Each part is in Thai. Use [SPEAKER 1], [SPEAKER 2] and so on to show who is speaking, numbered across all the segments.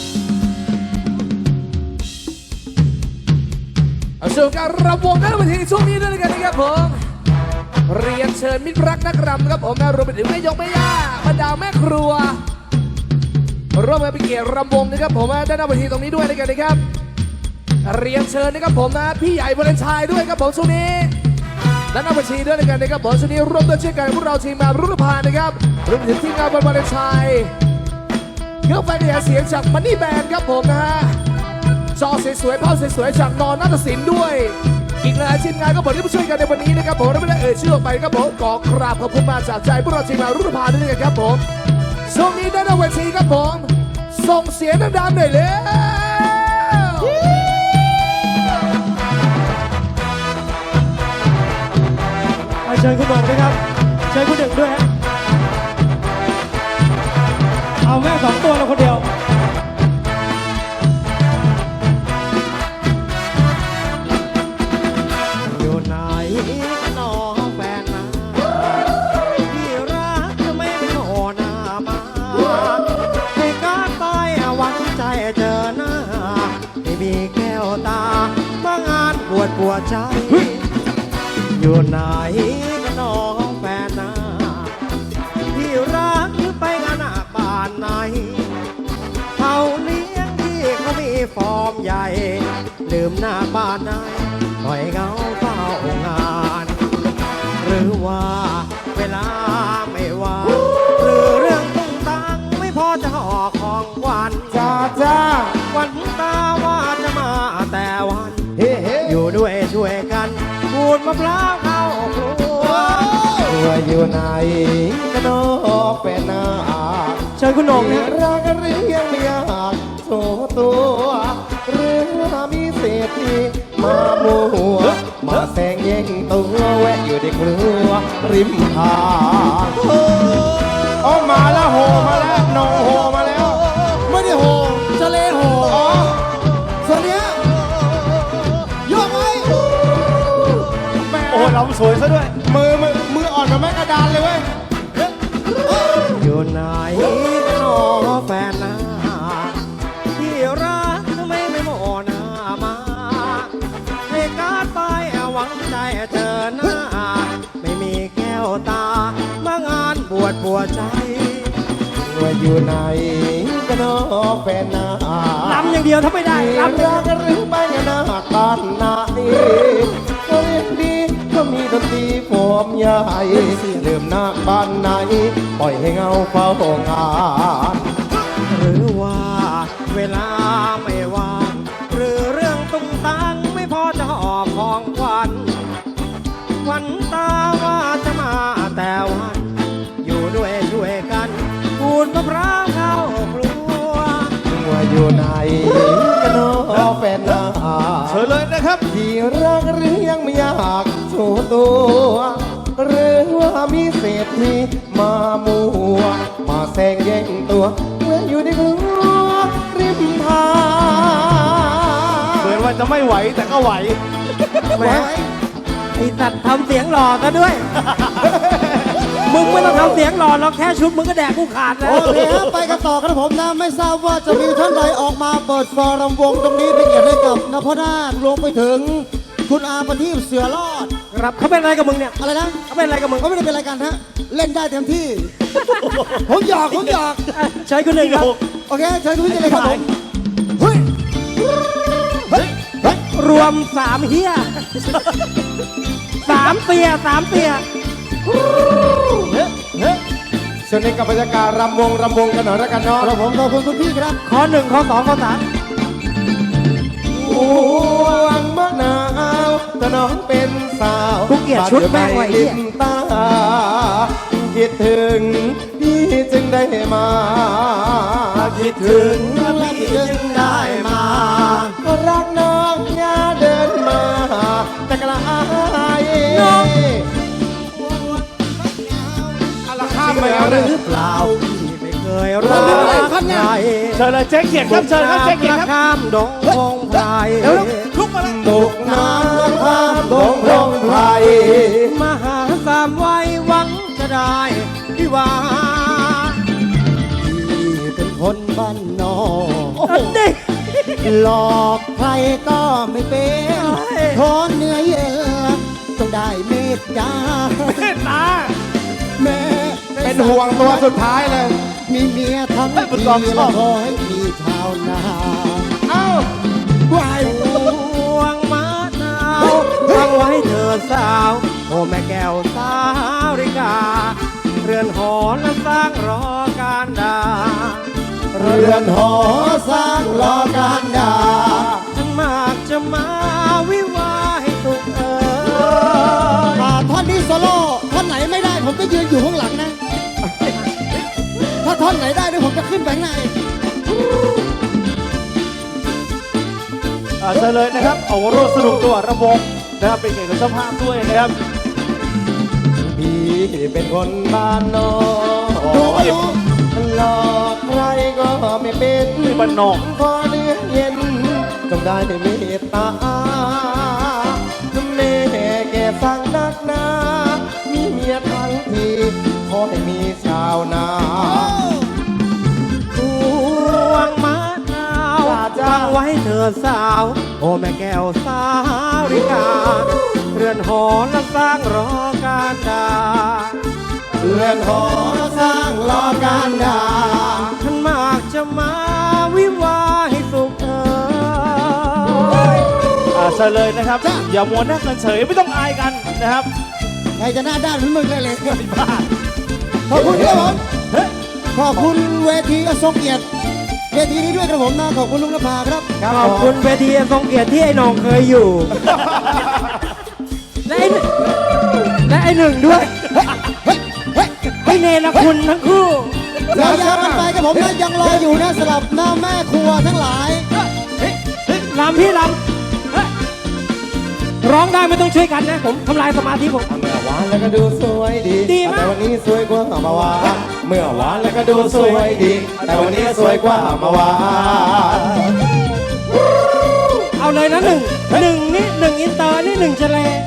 [SPEAKER 1] ส่วนการรำวงนั้นมาถึงช่วงนี้ด้วยกันนะครับผมเรียนเชิญมิตรรักนักรำครับผมรวมไปถึงแม่ยกแม่ย่าบรรดาแม่ครัวร่วมกันเป็นเกียรติรำวงนะครับผมด้านหน้าเวทีตรงนี้ด้วยด้วยกันนะครับเรียนเชิญนะครับผมนะพี่ใหญ่วาเลนไทน์ด้วยครับผมช่วงนี้ด้านหน้าเวทีด้วยด้วยกันนะครับผมช่วงนี้ร่วมด้วยเช่นกันพวกเราทีมงานรุ่นพานนะครับรวมถึงทีมงานวาเลนไทน์เครื่องไฟกระจายเสียงจากมันนี่แบนด์ครับผมนะฮะจอสวยๆภาพสวยๆจากนอนนาฏศิลป์ด้วยอีกหลายทีมงานก็บอกที่มาช่วยกันในวันนี้นะครับผมและไม่ได้เอ่ยชื่อออกไปครับผมขอกราบขอบคุณมาจากใจพวกเราทีมงานรุ่นพานด้วยกันครับผมช่วงนี้ด้านหน้าเวทีครับผมส่งเสียงดังๆหน่อยเลย
[SPEAKER 2] เชิญคุณหนึ่งด้วยครับเชิญคุณหนึ่งด้วยฮะเอาแม่2 ตัวเราคนเดียว
[SPEAKER 3] อยู่ไหนน้องแฟนนะที่รักจะไม่โผล่หน้ามาให้การตายหวังใจเจอหน้าไม่มีแก้วตามางานปวดใจอยู่ไหนก็น้องแฟนนะที่รักหรือไปงานหน้าบ้านไหนเขาเลี้ยงที่เขามีฟอร์มใหญ่ลืมหน้าบ้านไหนปล่อยเงาเฝ้างานหรือว่าเวลาไม่ว่างหรือเรื่องตุ้งตังไม่พอจะห่อของขวัญจ้าวันตาว่าจะมาแต่วันอยู่ด้วยช่วยกันขูดมะพร้าวเข้าครัวอยู่ไหนก็น้องเป็นนา
[SPEAKER 2] เชิญคุณหนึ่งนะ
[SPEAKER 3] รักหรือยังไม่อยากโชว์ตัวหรือมีเศรษฐีมามัวมาแซงแย่งตัวแวะอยู่ในครัวริมทางโอ้มาแล้วโหมาแล้วน้องโหมาแล้วไม่ได้โหทะเลโหอ๋อส่วนเนี้ยยกไว้
[SPEAKER 2] โอ้เราสวยซะด้วย
[SPEAKER 3] มืออ่อนมาแม่กระดานเลยเว้ยอยู่ไหนก็น้องแฟนนะที่รักทำไมไม่โมหน้ามาให้การไปหวังใจเจอหน้าไม่มีแก้วตามางานปวดใจว่าอยู่ไหนก็น้องแฟนนะ
[SPEAKER 2] รำอย่างเดียวถ้าไม่ได้รำ
[SPEAKER 3] รักหรือไม่หน้ากันหน้าดีก็เรียนดีก็มีดนตรีผมใหญ่เริ่มหน้าบ้านไหนปล่อยให้เงาเฝ้างานหรือว่าเวลาไม่ว่างหรือเรื่องตุ้งตังไม่พอจะหอบของขวัญวันตาว่าจะมาแต่วันอยู่ด้วยช่วยกันขูดมะพร้าวเข้าครัวว่าอยู่ไหนก็น้องแฟนนา
[SPEAKER 2] เชิญเลยนะครับ
[SPEAKER 3] ที่รักหรือยังไม่อยากโชว์ตัวหรือว่ามีเศรษฐีมามัวมาแซงแย่งตัวเมื่ออยู่ในครัวริมทาง
[SPEAKER 2] เหมือนว่าจะไม่ไหวแต่ก็ไหว
[SPEAKER 3] แหมไอ้ตัดทำเสียงหล่อซะด้วย
[SPEAKER 2] มึงไม่ต้องทำเสียงหล่อเราแค่ชุดมึงก็แดกกูขาดแล้ว
[SPEAKER 3] โอเคครับไปกันต่อครับผมนะไม่ทราบว่าจะมีท่านใดออกมาเปิดฟอร์มวงตรงนี้เป็นเกียรติให้กับนพนาถรวมไปถึงคุณอาประทีปเสือรอด
[SPEAKER 2] ครับเขาเป็นอะไรกับมึงเนี่ย
[SPEAKER 3] อะไรนะ
[SPEAKER 2] เขาเป็นอะไรกับมึง
[SPEAKER 3] เขาไม่ได้เป็นอะไรกันฮะเล่นได้เต็มที่ผมหยอก
[SPEAKER 2] ใช้คุณหนึ่งครับ
[SPEAKER 3] โอเคใช้คุณหนึ่งเลยครับผมเฮ้ย
[SPEAKER 2] รวม3เฮีย3เปีย
[SPEAKER 3] ส่วนในกับบรรยากาศรำวงกันหน่อยแล้วกันเนาะครับผมขอบคุณคุณพี่ครับ
[SPEAKER 2] ข้อ1ข้อ2ข้อ3
[SPEAKER 3] ห่วงมะนาวแต่น้องเป็นสาว
[SPEAKER 2] กูเกลียดชุดแม่งไว้
[SPEAKER 3] ลิ้นตาคิดถึงพี่จึงได้มาคิดถึงพี่จึงได้มาก็รักน้องอย่าเดินมาแต่กลายน้องข้ามไปหรือเปล่าพี่ไม่เคยรักใคร
[SPEAKER 2] เชิญเลยเจ๊เกียรติครับเชิญครับเจ๊เกียรติครับ
[SPEAKER 3] ข้ามดงพงไพร
[SPEAKER 2] ลุกมาแล้ว
[SPEAKER 3] ตกน้ำข้ามดงพงไพรมาหาสามวัยหวังจะได้ที่ว่าพี่เป็นคนบ้านนอก
[SPEAKER 2] อันนี้
[SPEAKER 3] หลอกใครก็ไม่เป็นขอเนื้อเย็นต้องได้เมตตา
[SPEAKER 2] เมตตา
[SPEAKER 3] แม่
[SPEAKER 1] เป็นห่วงตัวสุดท้ายเลย
[SPEAKER 3] มีเมียทั้งทีแล้วขอให้มีชาวนา
[SPEAKER 1] เอ้า
[SPEAKER 3] ไหวห่วงมะนาวฟังไว้เธอสาวโอ้แม่แก้วสาวริกา เรือนหอและสร้างรอการดา เรือนหอสร้างรอการดาทั้งมากจะมาวิวาให้สุขท่อนนี้โซโล่ท่อนไหนไม่ได้ผมก็ยืนอยู่ข้างหลังนะ ถ้าท่อนไหนได้เดี๋ยวผมจะขึ้นไปข้างใน
[SPEAKER 4] เชิญเลยนะครับเอาร่วมสนุกตัวระวงนะครับเป็นเกียรติกับเจ้าภาพด้วยนะครับ
[SPEAKER 3] พี่เป็นคนบ้านนอกหลอกใครก็ไม่เป็น
[SPEAKER 4] นี่บ้านนอก
[SPEAKER 3] ขอเนื้อเย็นต้องได้เมตตาแม่แก่สั่งนักหนามีเมียทั้งทีขอให้มีชาวนาพวงมะนาวจังไว้เธอสาว โอ้แม่แก้วสาวริกา เรือนหอและสร้างรอการดา เรือนหอสร้างรอการดาท่านมากจะมาวิวาให้สุข
[SPEAKER 4] เชิญเลยนะครับ อย่ามัวนั่งกันเฉยไม่ต้องอายกันนะครับ
[SPEAKER 3] ใครจะหน้าด้านเหมือนมึงเลยเลยขอบคุณครับผมขอบคุณเวทีอทรงเกียรติเวทีนี้ด้วยครับผมนะขอบคุณลุงนภาครับ
[SPEAKER 2] ขอบคุณเวทีทรงเกียรติที่ไอ้น้องเคยอยู่ และไอ้หนึ่งด้วยไม่เนรคุณทั้งคู่
[SPEAKER 3] เรายาวกันไปครับผมนะยังรออยู่นะสำหรับหน้าแม่ครัวทั้งหลาย
[SPEAKER 2] ลำพี่ลำร้องได้ไม่ต้องช่วยกันนะ ผมทำลายสมาธิผม
[SPEAKER 3] เมื่อวานแล้วก็ดูสวยดี
[SPEAKER 2] ดีมาก
[SPEAKER 3] แต่วันนี้สวยกว่าเมื่อวานเมื่อวานแล้วก็ดูสวยดี แต่วันนี้สวยกว่าเมื่อวาน
[SPEAKER 2] เอาเลยนะหนึ่งนี่หนึ่งอินเตอร์นี่หนึ่งเฉลย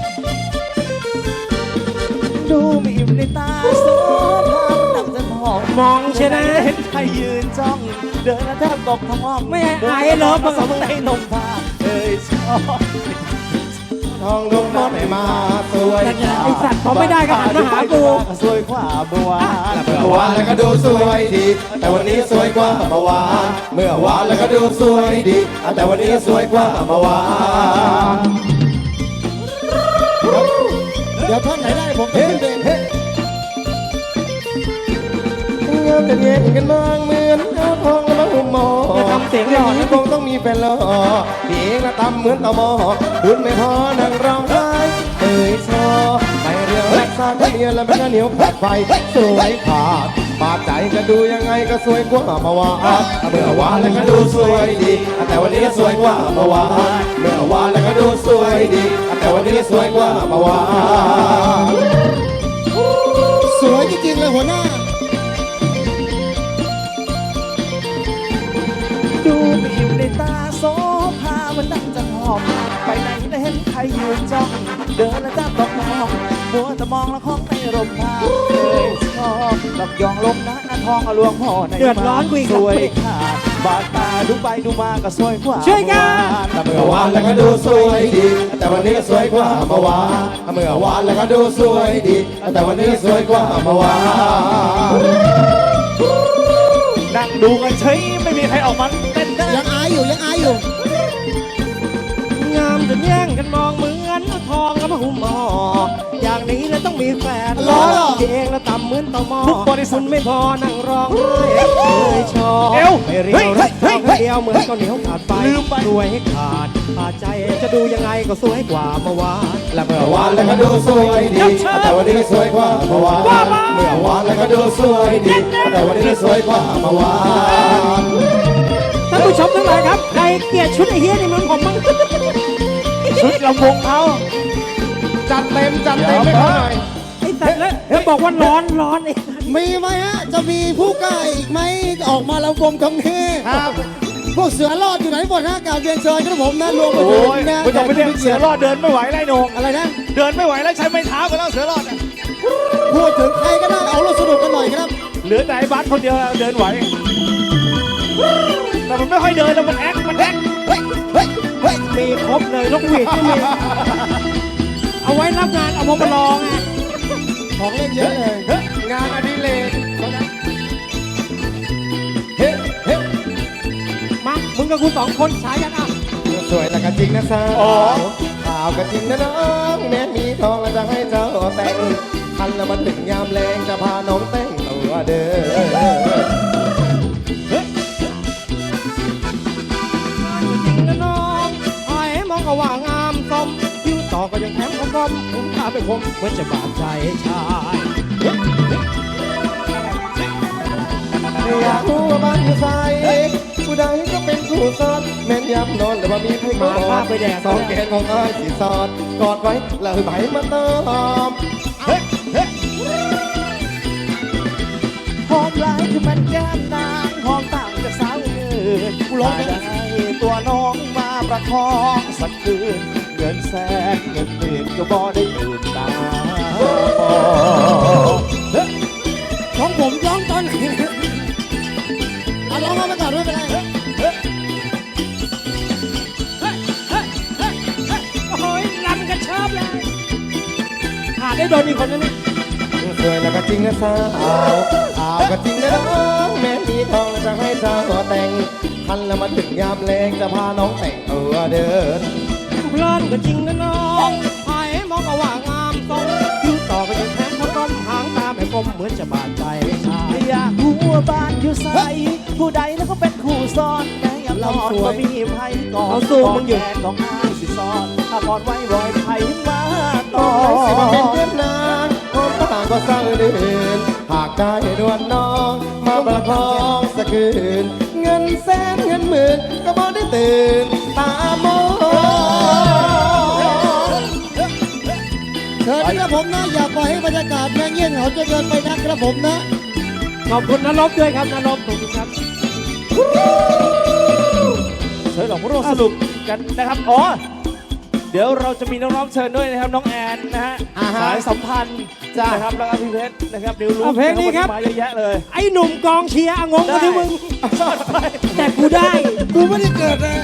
[SPEAKER 4] ดูมีอิ่มในตาโซภาพมันดังจะมอง
[SPEAKER 2] มองใช่ไหม
[SPEAKER 4] เห็นใครยืนจ้อง เดินแล้วแทบตกท้อง
[SPEAKER 2] ไม่ให้อายเลิฟ
[SPEAKER 4] ผสมในนมผ้าเอ้ยชอบ
[SPEAKER 3] ทองลุงน้องไม่มาสวย
[SPEAKER 2] แต่ไอสัตว์เขาไม่ได้ก็หันมาหากู
[SPEAKER 4] สวยกว่าบัว
[SPEAKER 3] เมื่อวานแล้วก็ดูสวยดี แต่วันนี้สวยกว่าเมื่อวานเมื่อวานแล้วก็ดูสวยดี แต่วันนี้สวยกว่าเมื่อวานเดี๋ยวท่อนไหนได้ผมจะขึ้นเองงามจะเย็นกันบ้างเหมือนเอาทองแล้วมาหุ่มหมอ
[SPEAKER 2] อย่าทำเสียงหล่อนะ
[SPEAKER 3] คงต้องมีแฟนหล่อพี่เองละตำเหมือนเต่าหมอดุนไม่พอนั่งร้องไห้เอ่ยชอไปเรียวรักษาเมียแล้วมันก็เหนียวขาดไฟสวยขาดบาดใจจะดูยังไงก็สวยกว่าเมื่อวานเมื่อวานแล้วก็ดูสวยดี แต่วันนี้สวยกว่าเมื่อวานเมื่อวานแล้วก็ดูสวยดี แต่วันนี้สวยกว่าเมื่อวานสวยจริงๆเลยหัวหน้า
[SPEAKER 4] ดูมีอิ่มในตาโซภามันดังจะหอมไปไหนแล้วเห็นใครยืนจ้อง เดินแล้วแทบตกท้องมัวแต่มองแล้วคล้องในร่มผ้าเอ้ยชอบหลับยองลมนะหน้าทองอลวงพ่อใน
[SPEAKER 2] เดือดร้อนกูอีก
[SPEAKER 4] สวยขาดบาดตาดูไปดูมาก็สวยกว่า
[SPEAKER 2] ช่วยกัน
[SPEAKER 3] เมื่อวานแล้วก็ดูสวยดี แต่วันนี้สวยกว่าเมื่อวานเมื่อวานแล้วก็ดูสวยดี แต่วันนี้สวยกว่าเมื่อวาน
[SPEAKER 4] นั่งดูกันเฉยไม่มีใครออกมาเต้นได้
[SPEAKER 3] ยังอายอยู่ยังอายอยู่
[SPEAKER 2] งามจนแย่งกันมองเหมือนเอาทองแล้วมาหุ้มหมออย่างนี้แล้วต้องมีแฟน
[SPEAKER 3] รอ
[SPEAKER 2] เองแล้วต่ำเหมือนเต่าหมอ
[SPEAKER 4] ทุกบริษัท
[SPEAKER 2] คุณไม่พอนั่งร้องไห้เอ้ยชอบ
[SPEAKER 4] เอว
[SPEAKER 2] ไม่เรียวรัก
[SPEAKER 4] เฮ้
[SPEAKER 2] สาวย คนเดียวเหมือนข้าวเหนียวขาดไฟ
[SPEAKER 4] ลืมไป
[SPEAKER 2] รวยให้ขาดใจจะดูยังไงก็สวยกว่าเมื่อวาน
[SPEAKER 3] และเมื่อวานแล้วก็ดูสวยดี แต่วันนี้สวยกว่าเมื่อวานเมื่อวานแล้วก็ดูสวยดี แต่วันนี้สวยกว่าเมื่อวาน
[SPEAKER 2] ท่านผู้ชมทั้งหลายครับใครเกลียดชุดไอ้เหี้ยนี่มันผมมั้ง
[SPEAKER 4] ชุดลำวงเขา
[SPEAKER 3] จัดเต็มไม่พอหน่อย
[SPEAKER 2] ไอ้สัตว์แล้วบอกว่าร้อนไอ้
[SPEAKER 3] มีไหมฮะ จะมีผู้กล้าอีกไหมออกมาลำวงตรงนี้ครับพวกเสือรอดอยู่ไหนหมดฮะกล่าวเรียนเชิญครับผมนะรวมไป
[SPEAKER 4] โอ้
[SPEAKER 3] ถึง
[SPEAKER 4] ย
[SPEAKER 3] นะ
[SPEAKER 4] ไม่ต้องไปเรียกเสือรอดเดินไม่ไหวไล่นง
[SPEAKER 3] อะไรนะ
[SPEAKER 4] เดินไม่ไหวแล้วใช้ไม้เท้ากันแล้วเสือรอดอะ
[SPEAKER 3] พูดถึงใครก็ได้เอาเราสนุกกันหน่อยครับ
[SPEAKER 4] เหลือแต่ไอ้บัสคนเดียวเดินไหว
[SPEAKER 2] แต่มันไม่ค่อยเดินแล้วมันแอคมันแอค
[SPEAKER 4] เฮ้ยเฮ้ยเฮ้ย
[SPEAKER 2] มีครบเลยนกหวีดก็มีเอาไว้รับงานเอามาลองไง
[SPEAKER 4] ของเล่นเยอะเลย
[SPEAKER 1] งานอดิเรกเฮ้เฮ้
[SPEAKER 2] มามึงกับกูสองคนฉายันอ่ะ
[SPEAKER 3] สวยแต่ก็จริงนะสาว
[SPEAKER 2] อ๋อ
[SPEAKER 3] ข่าวก็จริงนะน้องแม้มีทองแล้วจะให้เจ้าแต่งคันแล้วมันถึงยามแรงจะพาน้องแต่งตัวเด้อ จริงนะน้องไอ้มองก็ว่างามสมยิ้วต่อก็ยังแถมคมผมตาไปคมเหมือนจะบาดใจชายอยากรู้ว่าบ้านอยู่ไสผู้ใดก็เป็นผู้สอนแม่นยำนอนแต่ว่ามีไพ่มาไปแดดสองแกนของอ้ายสีสอดกอดไว้แล้วใบมาเติม
[SPEAKER 4] หอมหลายคือมันแก้มนางหอมต่างจากสาวอื่นกูร้องได้ตัวน้องมาประคองสักคืนเงินแสนเงินหมื่นก็บ่ได้อื่นตา
[SPEAKER 2] ของผมร้องตอนไหนเอาร้องเข้ามาก่อนไม่เป็นไรโอ้ยลำกันชอบเลยขาดได้โดนอีกคนนึง
[SPEAKER 3] สวยแล้วก็จริงนะสาวข่าวก็จริงนะน้องแม้มีทองแล้วจะให้เจ้าแต่งคันแล้วมันถึงยามแรงจะพาน้องแต่งตัวเดิน เพลินก็จริงนะน้องไอ้มองก็ว่างามตรงยิ้วต่อก็ยังแทงเขาก้มหางตาไม่กลมเหมือนจะบาดใจชาย
[SPEAKER 4] อยากรู้ว่าบ้านอยู่ไสผู้ใดแล้วก็เป็นคู่ซ้อนแม่ยำนอนก็มีไพ่ก่อนแขนของอ้ายสิซ้อนถ้าพอดไว้รอยไพ่มาต่อ
[SPEAKER 3] สิมาเป็นเพื่อนนางคนต่างก็เศร้าเดินหากได้ดวนน้องมาประคองสักคืนเงินแสนเงินหมื่นก็บ่ได้ตื่นตามอง
[SPEAKER 2] เชิญนะครับผมนะอย่าปล่อยให้บรรยากาศแม่งเงียบเหงาจนเกินไปนะครับผมนะขอบคุณนรบด้วยครับนรบขอบคุณครับ
[SPEAKER 4] เชิญหลวงพ่อสรุปกันนะครับอ๋อเดี๋ยวเราจะมีน้องๆเชิญด้วยนะครับน้องแอนนะฮะสายสัมพันธ์นะครับแล้วก็พี่เพชรนะครับดิวรู้
[SPEAKER 2] เพลงนี้ครับ
[SPEAKER 4] มาเยอะแยะเลย
[SPEAKER 2] ไอ้หนุ่มกองเชียร์งงกันที่มึง แต่กูได้ กูไม่ได้เกิดนะ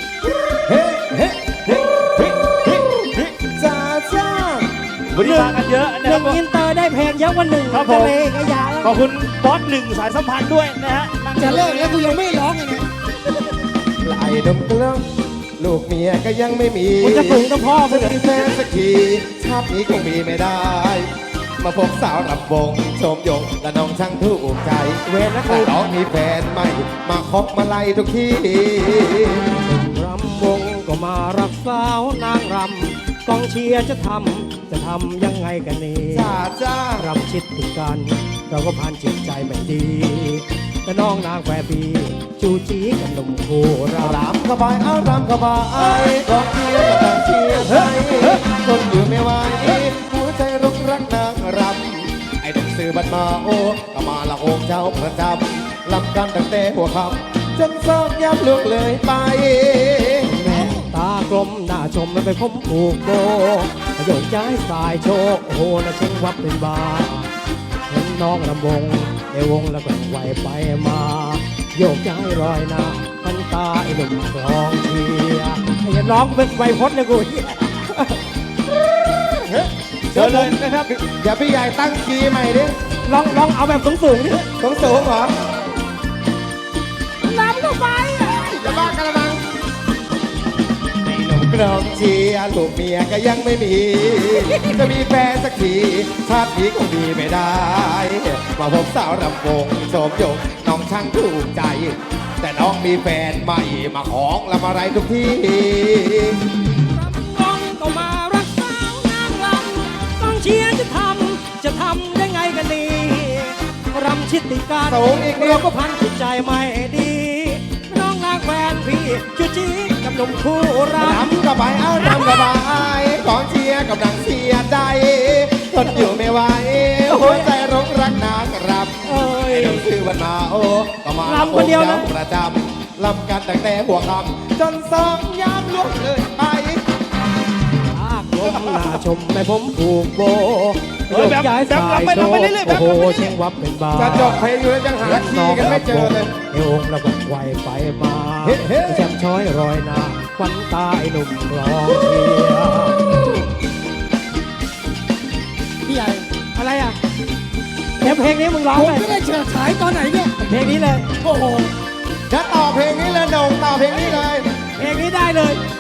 [SPEAKER 3] จ้าจ้า
[SPEAKER 4] วันนี้มากันเยอะนะ
[SPEAKER 2] ห
[SPEAKER 4] ครั
[SPEAKER 2] นึ่
[SPEAKER 4] บ
[SPEAKER 2] งอินเตอร์ได้เพลงเยอะกว่าหนึ่ง
[SPEAKER 4] ครับผม
[SPEAKER 2] ทะเลก็ยา
[SPEAKER 4] ขอบคุณบอสหนึ่งสายสัมพันธ์ด้วยนะฮะนั่ง
[SPEAKER 2] จะเลิกแล้วกูยังไม่ร้องเลยเนี่ย
[SPEAKER 3] ไหลดมเกลืองลูกเมียก็ยังไม่มี
[SPEAKER 2] กูจะปลุกต้องพ่อไป
[SPEAKER 3] จะ
[SPEAKER 2] เลย
[SPEAKER 3] มีแฟนสักทีชาตินี้คงมีไม่ได้ มาพบสาวรำวงชมยงและน้องช่างถูกใจเวรนะแต่น้องมีแฟนใหม่มาคบมาไล่ทุกที่ รำวงก็มารักสาวนางรำกองเชียร์จะทำยังไงกันนี่จ้าจ้ารำชิดติดกันเราก็ผ่านจิตใจไม่ดีแต่น้องนางแฝบีจูจีกันหนุ่มโคเรารำเข้าไปเอารำเข้าไปกองเชียร์ก็ต่างเชียร์ใจจนอยู่ไม่ไหวหัวใจรุกรักนางรำไอ้หนุ่มซื้อบัตรมาโอ้ก็มาละโงเจ้าประจำลำกันตั้งแต่หัวค่ำจนซอกย้ำลุกเลยไป ตากลมหน้าชมแล้วไปพมผูกโบโยกย้ายสายโชกโอ้โหนะเช่งวับเป็นบาเห็นน้องลำวงในวงแล้วก็ไหวไปมา โยกย้ายรอยหน้าพันตาไอ้หนุ่มคลองเชียร์ไอ้น้องเป็นไวพจน์เลยกูเชิญเลยนะครับอย่าพี่ใหญ่ตั้งคีย์ใหม่ดิลองเอาแบบสูงๆดิสูงเหรอน้ำลงไปอย่าบ้ากระมัง กรองเชียร์ลูกเมียก็ยังไม่มี จะมีแฟนสักทีชาตินี้คงมีไม่ได้ มาพบสาวรำวงโสมยงน้องช่างถูกใจ แต่น้องมีแฟนใหม่มาของละมาไรทุกที่รำวงก็มารักสาวนางรำกองเชียร์จะทำได้ไงกันดีรำชิดติการเราก็พันจิตใจไม่ดีน้องนางแฟนพี่จุจีกับหนุ่มคู่รำกับไปเอารำกับไปกองเชียร์กับนางเสียใจทนอยู่ไม่ไหวหัวใจร้องรักนางรำเอ้ยชื่อวันมาโอ้ก็มาลำคนเดียวนะประจำลำกันตั้งแต่หัวค่ำจนสองยามล่วงเลยไปลมหน้าชมแม่ผมผูกโบ
[SPEAKER 4] เฮ้ยแบบ
[SPEAKER 3] ย้าย
[SPEAKER 4] แบบ
[SPEAKER 3] สาย
[SPEAKER 4] ลำไป
[SPEAKER 3] โช
[SPEAKER 4] ลำไป
[SPEAKER 3] ว์
[SPEAKER 4] เรื่อยๆแบบ
[SPEAKER 3] โอ้
[SPEAKER 4] ลำ
[SPEAKER 3] โห
[SPEAKER 4] ไป
[SPEAKER 3] เชิงวับเป็นบา
[SPEAKER 2] จะจบเพลงอยู่แล้วยังหาคีย์กันไม่เจอเลย
[SPEAKER 3] เอวองระบบไวไปมาแจ่มช้อยรอยหน้าควันตาไอ้หนุ่มร้องเชียร์
[SPEAKER 2] พี่ใหญ่
[SPEAKER 3] อะไรอ่ะเดี๋ยวเพลงนี้มึงร้อง
[SPEAKER 2] ผม
[SPEAKER 3] เลย
[SPEAKER 2] ไม่ได้เฉิดฉายตอนไหนเนี่ย
[SPEAKER 3] เพลงนี้เลย
[SPEAKER 2] โอ้โห
[SPEAKER 5] จะต่อเพลงนี้เลยโด่งต่อเพลงนี้เลย
[SPEAKER 3] เพลงนี้ได้เลย